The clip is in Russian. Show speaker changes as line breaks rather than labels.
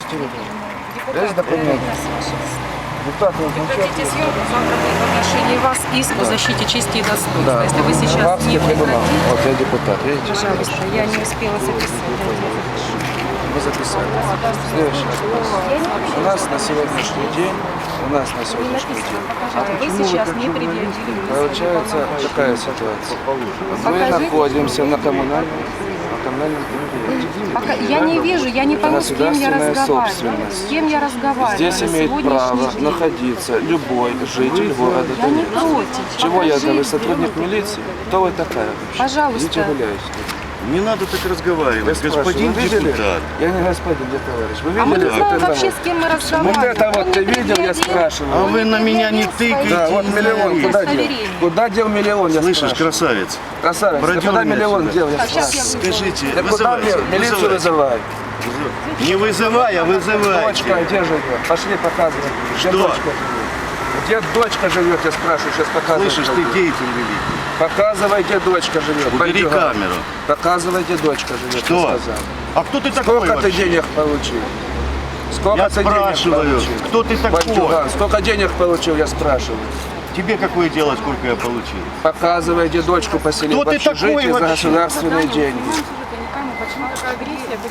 Есть документы? Депутат,
Прекратите съемку, завтра будет в отношении вас иск по защите чести и достоинства.
да,
Если вы сейчас
Гаагский
не
трибунал.
прекратите,
Вот я депутат, видите?
пожалуйста, я не успела записать.
Вы записали. Следующий вопрос. У нас на сегодняшний день,
Вы сейчас не предъявили.
получается такая ситуация. Мы находимся на коммунальном предприятии.
Я не вижу, я не пойму, с кем я
Государственная
разговариваю.
собственность.
С кем я разговариваю.
Здесь
на
имеет право
сегодняшний день.
находиться любой житель города
Я не
Донецка.
против.
Чего я
Покажите.
вы сотрудник милиции? Кто вы такая вообще?
Пожалуйста.
Идите гуляйте.
Не надо так разговаривать,
Я спрашиваю,
господин
вы видели?
депутат.
Я не господин, я товарищ. Вы
А мы
видели
не знаем
вот это
вообще,
вот?
с кем мы
Вот
разговариваем.
это вот ты видел, я
А
спрашиваю.
вы на меня не тыкаете.
Да, вот миллион, куда дел? Куда дел миллион, я
Слышишь,
спрашиваю.
красавец?
Красавец, ты
Продёр
куда
меня
миллион
сюда.
дел, я
Сейчас
спрашиваю.
Скажите,
Да куда
вызывайте.
мне? Милицию вызывай.
Не вызывай, а
Дочка,
вызывайте.
где живет? Пошли показывай. Где
Что?
дочка живет? Где дочка живет, я спрашиваю, сейчас показывай.
Слышишь, ты деятель великий.
Показывай, где дочка живет.
Убери
Бандюган.
камеру.
Показывай, где дочка живет,
Что?
я сказал.
А кто ты такой
Сколько ты
вообще?
денег получил? Сколько
Я
ты денег
спрашиваю,
получил?
кто ты такой?
Бандюган, сколько денег получил, я спрашиваю.
Тебе какое дело, сколько я получил?
Показывай, где дочку поселил
Кто
в
ты такой
общежитие за
вообще?
государственные деньги.
Я не пойму, почему такая агрессия.